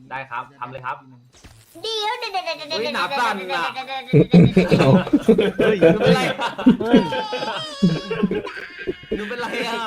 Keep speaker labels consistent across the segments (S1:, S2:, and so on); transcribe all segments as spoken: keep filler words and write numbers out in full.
S1: ได้ครับทำเลยครับ
S2: เดี๋ยวเดี๋ยวเดี๋ยวเดี๋ยว
S1: เฮ้ยหนาสั่นอะ
S3: เฮ้ย
S1: หนูเป็นไรอะหนูเป็นไรอ่ะ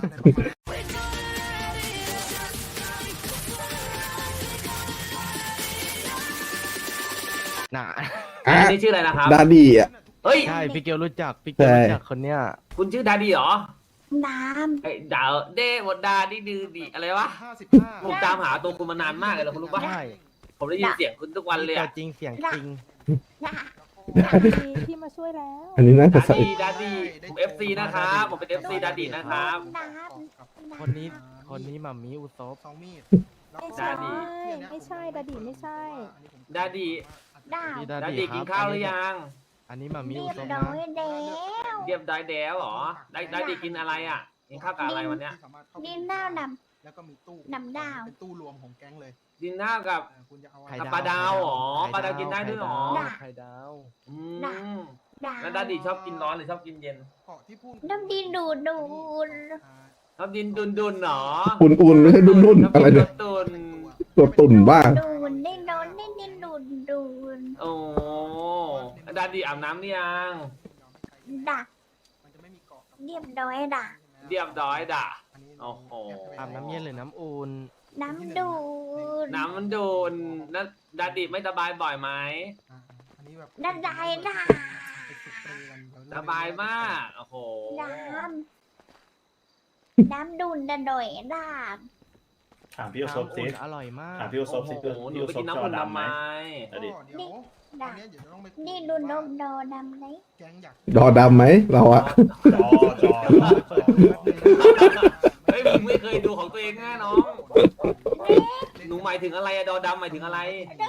S3: น่ะ
S4: อ่ะ
S1: อันนี้ชื่ออะไรนะครับ
S4: ดาดีอ่ะ
S1: เฮ้ย
S3: ใช่พี่เกลรู้จักพี่เกล
S4: ใช่
S3: รู้จักคนเนี้ย
S1: คุณชื่อดาดีเหรอ
S2: น้
S1: ไอ้ดาวเดวดาดีดือดีอะไรวะ
S5: ห้าสิบห้า
S1: ผมตามหาตัวคุณมานานมากเลยนะคุณรู้ปะ
S3: ใช่
S1: ผมได้ยินเสียงคุณทุกวันเลย
S3: ตัว
S1: อะ
S3: จริงเสียงจริง
S2: ำนะ
S6: ที่มาช่วยแล้ว
S4: อันนี้น่าจะ
S1: ดา
S4: ใส่
S1: ดีดาดีผมเอฟซีนะครับผมเป็นเอฟซีดาดีนะครับ
S2: น้
S3: คนนี้คนนี้หมามีอุซบ
S5: สองมีด
S6: ไม่
S1: ดา
S6: ใช่
S1: ดี
S6: ไม่ใช่ดาดีไม่ใช่
S1: ดาดี
S2: ำดาว
S3: พี่
S1: ดา
S3: ดา
S1: ดี
S3: ดี
S1: กิน
S3: ค
S1: ข้า
S3: รั
S1: ว
S3: บ
S1: หรือยัง
S3: อันนี้หมามี
S2: เรี
S3: อุ
S2: ยบ
S3: ซบ
S2: ร้
S3: นะ
S2: อยแล้ว
S1: เรียบดอยแดวเหรอได้ดาดีกินอะไรอ่ะกินข้าวกับอะไรวันเนี้ย
S2: ดินดาวด
S5: แล้วก็มีตู้
S2: นำดาว
S5: เป็นตู้รวมของแก๊งเลย
S1: กินข้าวกับ
S5: อ่าคุณจะเอา
S3: ไข่
S1: กับ
S3: ดาว
S1: ปลาดาวเหรอปลาดาวกินได้ด้วยเหรอ
S3: ไข่ดาว
S1: อืม
S2: ำดาว
S1: แล้วดาดีชอบกินร้อนหรือชอบกินเย็น
S5: เกาะที่พูด
S2: น้ำดินดูดดูด
S5: อ่า
S1: ชอบกินดุนดุนๆเหรอ
S4: อุ่นๆไม่ใช่ดุนๆอะไรเนี่ย
S1: ตุน
S4: ตัวตุ่นบ้า
S2: ดูดได้โดนได้ดินดูดดูด
S1: โอ้ดาดีอาบน้ำหรือยัง
S2: ดัก
S5: มันจะไม่มีเกาะกับ
S2: เรียบร้อยดัก
S1: เรียบร้อยด่ะ
S5: อันนี้
S1: โอ้โห
S3: อาบน้ำเย็นหรือน้ำอุ่น
S2: น้ำดูด
S1: น้ำมันโดนนั่นดาดีไม่สบายบ่อยไหม
S5: อ่าอันนี้แบบ
S2: ดันได้ดัก
S5: ไปฝึกปรีกันเดี๋ว
S1: ส
S5: เริ่ม
S1: บายมากโอ้โห
S2: น้ำน้ำดูดดันดอยดัก
S7: ถามพี่โอซบ
S3: น้ำ
S7: สิ
S3: อุ่นอร่อยมาก
S7: ถามพี่โอซ
S1: โอ้
S7: บ
S1: โห
S7: สิพี่
S1: หนู
S7: โอ
S1: ไป
S7: ซ
S1: กิ
S7: บ
S1: น
S7: จ
S1: น้ำ
S7: อ
S1: อุ่น
S7: ดำ
S1: ทำ
S7: ไห
S1: ไม
S7: ม
S5: ก็
S7: อดีต
S5: เดี๋ยวอันเนี้ยเดี๋ยวต้องไปคุย
S2: นี่ดูน
S5: ว่าม
S2: โดดำไหม
S5: แก๊งอยาก
S4: ดอดำไหมเราอะ
S7: จอจอจอจอ
S1: เฮ้ยมึงไม่เคยดูของตัวเองแน่น้องหนูหมายถึงอะไรอะดอดำหมายถึงอะไร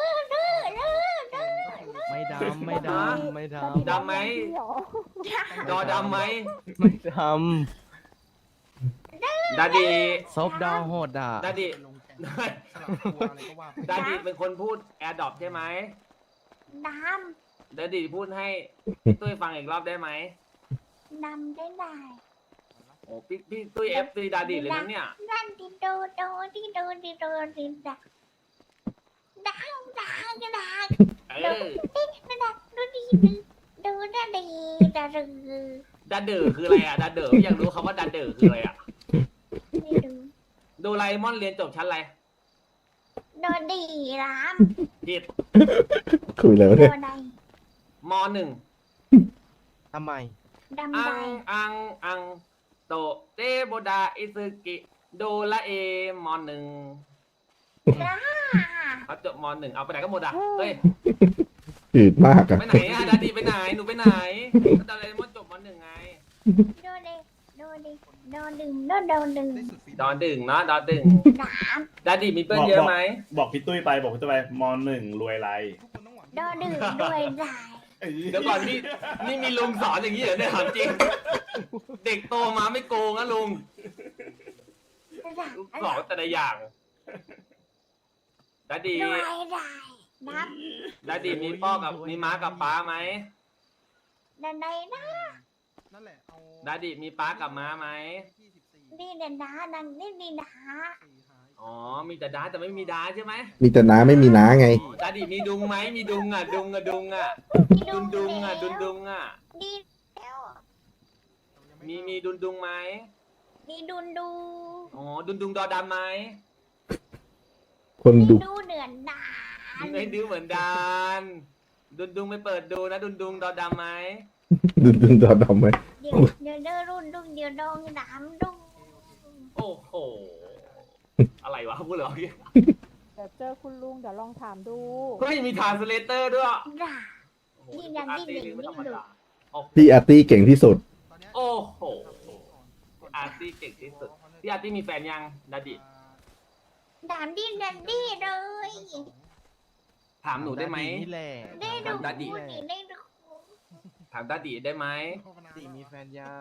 S3: ไม่ดำไม่ดำไม่ด
S1: ดำไหม
S3: ำ
S1: ดอดำไหม
S3: ไม่ด
S1: ดาดี
S3: ำซบดาวโหดอ่ะ
S1: ดาดี
S5: ไปลงแก๊งสลับตัวอะไรก็ว่าไป
S1: ดาดีเป็นคนพูดแอร์ดรอปใช่ไหม
S2: ด
S1: ดาดีพูดให้พี่ตุ้ยฟังอีกรอบได้ไหม
S2: ำดำได้ได้
S1: โอ้พี่พี่ตุ้ยเอฟซีดาดีเลยนะเนี่ย
S2: นั่นดิโดโดดิโดดิโดดิดักดักดักดัก
S1: เออ
S2: ดักดูดีดูดูดันดีดักดู
S1: ดาเดอร์คืออะไรอะดาเดอร์อยากรู้คำว่าดาเดอร์คืออะไรอะ
S2: นี่ดู
S1: โดราเอมอนเรียนจบชั้นอะไร
S2: โดดีราม
S1: ผิด
S4: คุยแล้ว
S2: โด
S4: เนี่ย
S2: ใด
S1: มหนึ่ง
S3: ทำไม
S2: ดำ
S1: อั
S2: ใด
S1: งอังอังโตเตโบดาอิซึกิโดราเอมอนหนึ่ง
S2: จ้า
S1: เขาจบมหนึ่งเอาไปไหนก็หมดอ่ะเฮ้ย
S4: จืดมากอะ
S1: ไปไหนอะดาดีไปไหนหนูไปไหนก็โดราเอมอนจบมหนึ่งไง
S2: โดดีโดดีโดดึงโดโดดึง
S5: ได้สุดฝี
S1: ดอนดึงเนาะดอนดึง
S2: ดาม
S1: ดาดีมีเพื่อนเยอะไหม
S7: บอกพี่ตุ้ยไปบอกพี่ตุ้ยไปมหนึ่งรวยไร
S5: ทุกคนต้องหวัง
S2: โดดึงด้วยได้
S1: เดี๋ยวก่อนนี่นี่มีลุงสอนอย่างนี้เหรอเนี่ยถามจริง เด็กโตมาไม่โกงนะลุง
S2: ดัก
S1: สอนแต่ละอย่างดาดี
S2: ด้วยได้นับ
S1: ดาดีมีพ่อกับมีม้ากับป้าไหม
S2: ดันใดนะ
S5: นั่นแหละเอา
S1: ดาดีมีป้ากับม้าไหม
S5: ยี่สิบสี่
S2: ดีเด่นดาดังนี่ดีดา
S5: สี่หาย
S1: อ๋อมีแต่ดาแต่ไม่มีดาใช่ไหม
S4: มีแต่น้าไม่มีน้าไง
S1: ดาดีมีดุงไหมมีดุงอ่ะดุงอ่ะดุงอ่ะดุงดุงอ่ะดุงดุงอ่ะ
S2: ดีแล้ว
S1: มีมีดุงดุงไหม
S2: ดีดุนดู
S1: อ๋อดุงดุงดอดำไหม
S4: คน
S2: ดี
S4: ดุ
S2: ดูเดือนดา
S1: ไม่ดื้อเหมือนดานดุงดุงไม่เปิดดูนะดุงดุงดอดำไหม
S4: ดุดุดอดำไหม
S2: เดี๋ยวเดี๋ยวเดินรุ่นดุเดี๋ยวดองดามดุ
S1: โอ้โหอะไรวะพูดเหรอ
S6: เดี๋ยวเจอคุณลุงเดี๋ยวลองถามดู
S1: เฮ้ยมีทรานสเลเตอร์ด้วย
S2: ดา
S1: โอ้โห
S2: นี่ยัง
S1: อาร์
S2: ดิ้น
S1: ตี้
S2: ดิ้น
S1: ไม่ธรรม
S2: ดิ้น
S1: ดาโอ้โห
S4: พี่อาร์ตี้เก่งที่สุด
S5: ตอนเนี้ย
S1: โอ้โหอาร์ตี้เก่งที่สุดพี่อาร์ตี้มีแฟนยังดาดิ
S2: ดามดิ้นดันดี้เลย
S1: ถามหนูได้ไหม
S3: นี่แหละ
S2: ได้ดู
S1: ดาดิ
S2: นี่ได้ดู
S1: ถามดาดิได้ไหม
S3: ดีมีแฟนยัง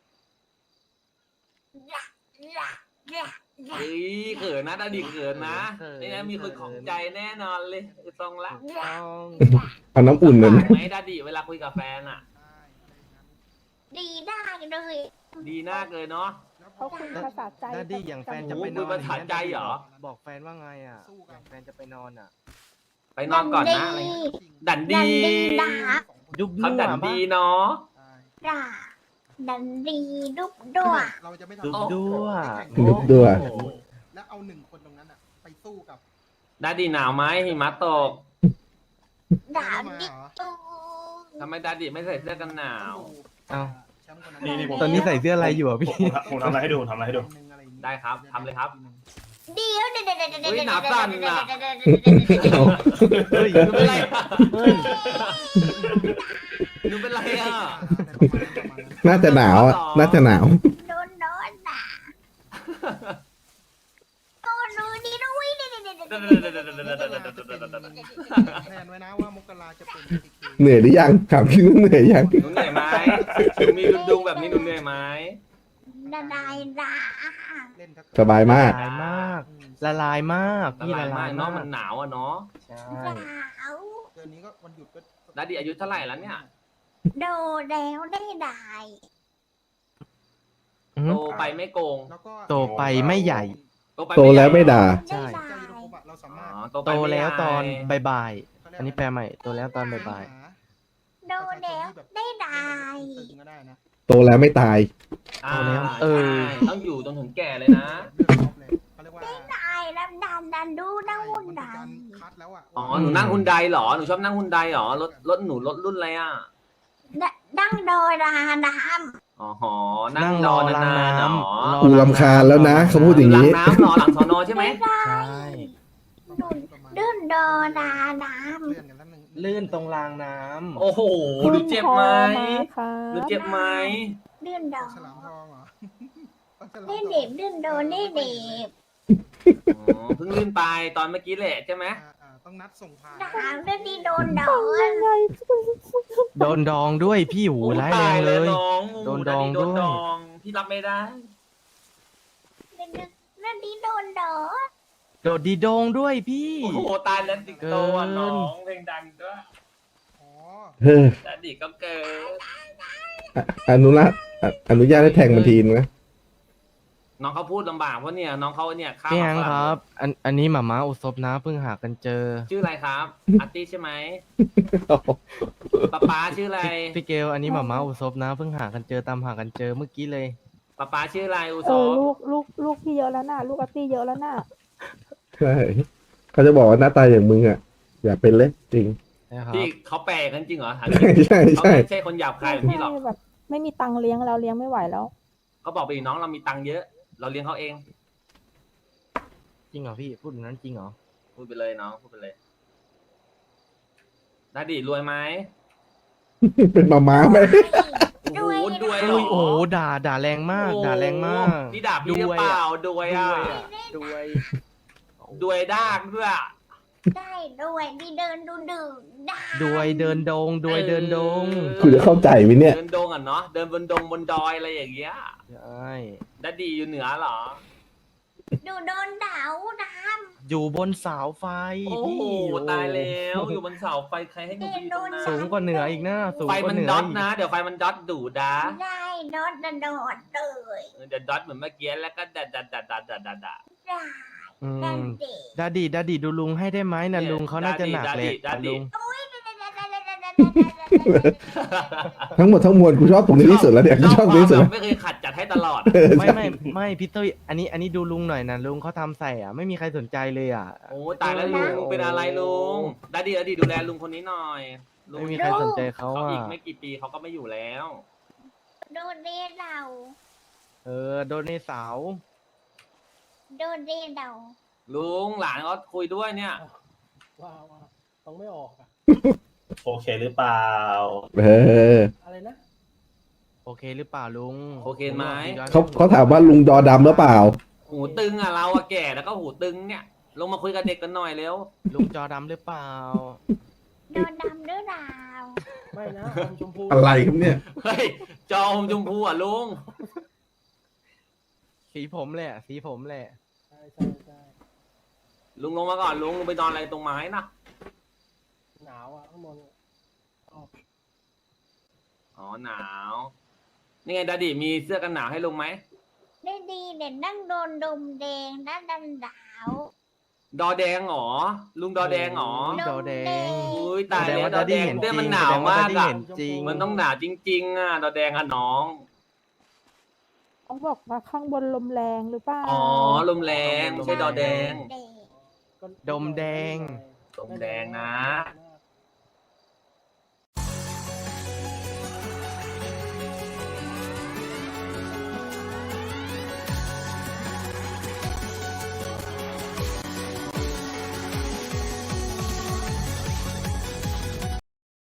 S2: ดาดาดา
S1: เฮ้ยเขินนะดาดิเขินนะนี่นะมีคนของใจแน่นอนเลยคือตรงละ
S3: ต้อง
S4: เอาน้ำอุ่นเลยไหม
S1: ไหมดาดิเวลาคุยกับแฟนอ่ะ
S2: ดีได้เลย
S1: ดีมากเลยเนาะ
S2: โอ
S6: เขาคุยภาษาใจ
S3: ดัดดี้อย่างแฟนจะ
S1: โอ้
S3: ไป
S1: โห
S3: นอน
S1: ภาษาใจเหรอ
S3: บอกแฟนว่าไงอ่ะอย่างแฟนจะไปนอนอ่ะ
S1: ไปนอนก่อนนะอะไรเงี้ยดัน
S2: ดั
S1: ดี
S2: นดีด่า
S3: ยุบ
S1: เขา
S3: ยั่ว
S1: ดัน
S3: ปะ
S1: ดีเนาะ
S5: ใช่
S2: ด่าดันดีดุบดัว
S5: เราจะไม่ทำ
S3: ยุบยั่ว
S4: ยุบยั่ว
S5: แล้วเอาหนึ่งคนตรงนั้นอ่ะ ไปสู้กับ
S1: ดันดีหนาวไหมหิมะตก
S2: ด่า
S5: มา
S2: ดิ
S5: เหรอ
S2: ตู
S1: ทำไมดันดีไม่ใส่เสื้อกันหนาว
S3: เอ้า
S5: แชมป์คนนั้น
S7: นี่นี่ผม
S3: ตอนนี้ใส่เสื้ออะไรอยู่อ่ะ
S7: ผม
S3: พี่
S7: ผมผมทำอะไรให้ดูผมทำอะไรให้ดู
S1: ได้ครับทำเลยครับ
S2: เดี๋ยวเดี๋ยวเดี๋ยวเดี๋ยวเดี๋ยว
S1: เฮ้ย
S2: เดี๋ยว
S1: หนาสั่นน่ะ
S4: เอา
S3: เฮ้ย
S1: หนูเป็นไรอะ
S3: เฮ้ย
S1: หนูเป็นไรอ่ะ
S4: น่าจะหนาวอ่ะ น่าจะหนาว
S2: โดนโดนด่าโอ้ดูดิดูวิเดี๋ยวเดี๋ยวเดี๋ยวเดี๋ยวเดี๋ยวเดี๋ยว
S5: แทนไว้นะว่ามกราจะเป็น พี เค
S4: เหนื่อยหรือยังถามจริงว่าเหนื่อยยัง
S1: หนูเหนื่อยไหมหนูมีดุดุงแบบนี้หนูเหนื่อยไหม
S2: ด่าด่าด่า
S5: เล่นทัก
S4: สบายมาก
S3: ละลายมาก ละลายมาก
S1: ส
S3: พี่
S1: บา
S3: ละ
S1: ยมาม
S3: าก ย
S1: เนาะ
S3: มา
S1: มัน
S3: ก
S1: หนาวอ่ะเนาะ
S3: ใช่
S2: ด่า
S5: เดือนนี้ก็วันหยุดก็
S1: ดัดดี้อายุเท่าไหร่แล้วเนี่ย
S2: โดนแล้วได้ด่า
S3: อื
S1: โต
S3: ม
S1: ไปไม่โกง
S5: แล้วก็
S3: โตไปไม่ใหญ่
S1: โตไป
S4: โตแล้วไม่ด่า
S2: ได้
S3: ใช่
S2: ด่า
S5: เจ้ายุทธภพอะเราสา
S1: อ๋
S5: มารถ
S1: อโตไป
S3: โต
S1: ไม่
S3: แล้วตอน
S1: ใหญ่
S3: บ่ายๆอันนี้แปลใหม่ โตแล้วตอนบ่าย
S2: โดนแล้วได้ด่า
S5: ตึงก็ได้นะ
S4: โตแล้วไม่ตาย
S1: อ่า
S3: เออ
S1: ใช่ต้องอยู่จนถึงแก่เลยนะ
S5: เลือกรอบเลยเขาเรียกว่า
S2: ได้แล้วดันดันดูดังหุ่น
S5: มันเป็น
S2: ดั
S5: การ
S2: น
S5: คัดแล้วอ่ะ
S1: อ๋อหนูนั่งฮุนไดเหรอหนูชอบนั่งฮุนไดเหรอรถรถหนูรถรุ่นอะไรอ่ะ
S2: ดังโดยดาดาม
S1: อ๋อหอ
S3: ๆ
S1: นั่
S3: นั่
S1: ง
S3: ง
S1: ร
S3: ร
S1: อ
S3: อน
S1: าน
S3: ล้าง
S1: ๆ
S3: น้
S1: เหรอ
S3: ำรอ
S4: กูรำคาญแล้วนะเขาพูดอย่าง
S1: หลั
S4: นี้
S1: งน้ำเหรอหลังสอนอใช่ไหม
S3: ใช่
S2: เดินโดดาดาม
S5: เลื่อนกันแล้วหนึ่ง
S3: ลื่นตรงรางน้ำ
S1: โอ้โหหนูเจ็บไหม
S6: ครั
S1: หนู
S6: บ
S1: เจ็บไหม
S2: เดินโด
S5: ฉลามทองเหรอฉลามท
S2: ได้
S5: อง
S2: เด็บเดินโดได้เด็บ
S1: อ๋อเพิ่งลื่นไปตอนเมื่อกี้แหละใช่ไหม
S5: อ่าอ่าต้องนัดส่งผ่าน
S2: ดามเดินดีโดนโดน
S6: ยังไง
S3: โดนดองด้วยพี่หู
S1: โอ้
S3: ร้ายแรงเลย
S1: น้อง
S3: โดนดอง
S1: โดน
S3: ด้วย
S1: ดองพี่รับไม่ได้
S2: เดินเดินดีโดนโดน
S3: โดดดีโดงด้วยพี่
S1: โอ้โหตายแล้วสิงโตอ่ะน้องเพลงดังด้วย
S5: อ๋อ
S4: เฮ้อ
S1: แต่ดิก็เกิด
S4: อ่ะอนุรักษ์อ่ะอนุญาตให้แทงมันทีนงนะ
S1: น้องเขาพูดลำบากเพราะเนี่ยน้องเขาเนี่ยข้าม
S3: พี่แฮง
S1: มา
S3: ครับ อันอันนี้หมาม้าอุศบนะเพิ่งหากันเจอ
S1: ชื่ออะไรครับอาร์ตี้ใช่ไหมป๊าป๊าชื่ออะไร
S3: พี่เกลอันนี้หมาม้าอุศบนะเพิ่งหากันเจอตามหากันเจอเมื่อกี้เลย
S1: ป๊าป๊าชื่ออะไรอุ
S6: เอ
S1: โซ
S6: อลูกลูกลูกพี่เยอะแล้วน่ะ ลูกอาร์ตี้เยอะแล้วน่ะ
S4: ใช่เขาจะบอกว่าหน้าตาอย่างมึงอ่ะ อย่าเป็นเลยจริง
S3: นะครับ
S1: พี่เขาแปลกันจริงเหรอถาม
S4: ใช่ใช่
S1: เขา
S4: ใช่
S1: ไม่ใช่คนหยาบคายแบบนี้หรอก
S6: ใช่แบบ ไม่มีตังค์เลี้ยงแล้วเลี้ยงไม่ไหวแล้ว
S1: เขาบอกไปดิน้องเรามีตังค์เยอะ เราเลี้ยงเขาเอง
S3: จริงเหรอพี่พูดอย่างนั้นจริงเหรอ
S1: พูดไปเลยน้องพูดไปเลยนาดีรวยไหม
S4: เป็นมาม้าไหม
S1: โอ้โหด้วยเหร
S3: อุ้
S1: อย
S3: โอ้โหด่าด่าแรงมาก ด่าแรงมาก
S1: นี่ด่าพี่หรือเปล่าด้วยอ่ะ
S3: ด้วย
S1: ด้วยดากด้วย
S2: ได้ด้วยดีเดินดูดื่มได้
S3: ด้วยเดินโดงด้วยเดินโดง
S4: กูจะเข้าใจไหมเนี่ย
S1: เดินดงอ่ะเนาะเดินบนดงบนดอยอะไรอย่างเงี้ย
S3: ใช่
S1: ดัดดีอยู่เหนือเหรอ
S2: ดูโดนด่าดาม
S3: อยู่บนเสาไฟ
S1: โอ้
S3: พี่
S1: โห
S3: โอ้
S1: ตายแล้วอยู่บนเสาไฟใครให้หนูไปอยู่ตรงนั้น
S3: สูงกว่าเหนืออีกนะสูง
S1: ไฟ
S3: กว่า
S1: มัน
S3: เหนือ
S1: ดอท
S3: อีก
S1: นะ เดี๋ยวไฟมันดอทดูดา
S2: ได้โดนโดนเลย
S1: เดี๋ยวดอทเหมือนเมื่อกี้แล้วก็ดัดดัดดัดดัดดัดดัดดัด
S2: ด่า
S3: อื
S2: ดัน
S3: ม
S2: เด็ก
S3: ดาดีดาดีดูลุงให้ได้ไหมนะ
S1: เนี่ย
S3: ลุงเขาน่าจะหนักเลย
S1: ดาดิดาดิ
S3: ลุง
S4: ทั้งหมดทั้งมวลกูชอบตรงนี้ที่สุดแล้วเนี่ยกูชอบตรงนี้ที่สุด
S1: แบ
S4: แล้ว
S1: บไม่เคยขัดจัดให้ตลอด
S4: เออ
S3: ไม่
S4: ใช่
S3: ไม่ไม่พี่ตุ้ยอันนี้อันนี้ดูลุงหน่อยนะลุงเขาทำใส่อ่ะไม่มีใครสนใจเลยอ่ะ
S1: โอ้ตายแล้วลุงเป็นอะไรลุงดัดดีดัดดีดูแลลุงคนนี้หน่อยลุง
S3: ไม่มีใครสนใจเขา
S1: เขา
S3: อ่ะ
S1: อีกไม่กี่ปีเขาก็ไม่อยู่แล้ว
S2: โดนเดเรา
S3: เออโดนในเสา
S2: โดนเดเรา
S1: ลุงหลานเขาคุยด้วยเนี่ย
S8: ว้าวว้าวต้องไม่ออกอะ
S7: โอเคหรือเปล่า
S4: เออ
S8: อะไรนะ
S3: โอเคหรือเปล่าลุง
S1: โอเคไหม
S4: เขาเขาถามว่าลุงดอดำหรือเปล่า
S1: หูตึงอ่ะเราอะแก่แล้วก็หูตึงเนี่ย ลงมาคุยกับเด็กกันหน่อยเร็ว
S3: ลุงจอดำหรือเปล่า
S2: โดนดำหรือเปล่า
S8: ไม่นะอมชมพู
S4: อะไรครับเนี่ย
S1: เฮ้ยจอมชมพูอ่ะลุง
S3: สีผมแหละ สีผมแหละ
S8: ใช่ใช่ใช่
S1: ลุงลงมาก่อนลุงลุงไปนอนอะไรตรงไม้นะ
S8: หนาวอ่ะข้างบน
S1: อ๋อหนาว นี่ไงดาดิมีเสื้อกันหนาวให้ลุงไหม
S2: ได้ดีเด่นนั่งโดนดมแดงด้านดันดาว
S1: ดอแดงเหรอลุงดอแดงเหรอ
S3: ดอแดง
S1: อุ้ยตาย
S3: แสดง
S1: แล้ว
S3: ว่า
S1: ดอ
S3: ดัด
S1: แด
S3: ดี้
S1: ง
S3: เห็น
S1: เนี่ย
S3: จริง
S1: มันหนาว
S3: แสดง
S1: มาก
S3: ดัดดี้
S1: อ่ะ
S3: เห็นจริง
S1: มันต้องหนาวจริง ๆ อ่ะ ดอแดงอ่ะน้อง
S6: เขาบอกว่าข้างบนลมแรงหรือเปล่า
S1: อ๋อลมแรงไม่ใช่ดอแดง
S2: แดง
S8: ก็
S3: ดมแดง
S1: ดมแดงนะ
S8: นะ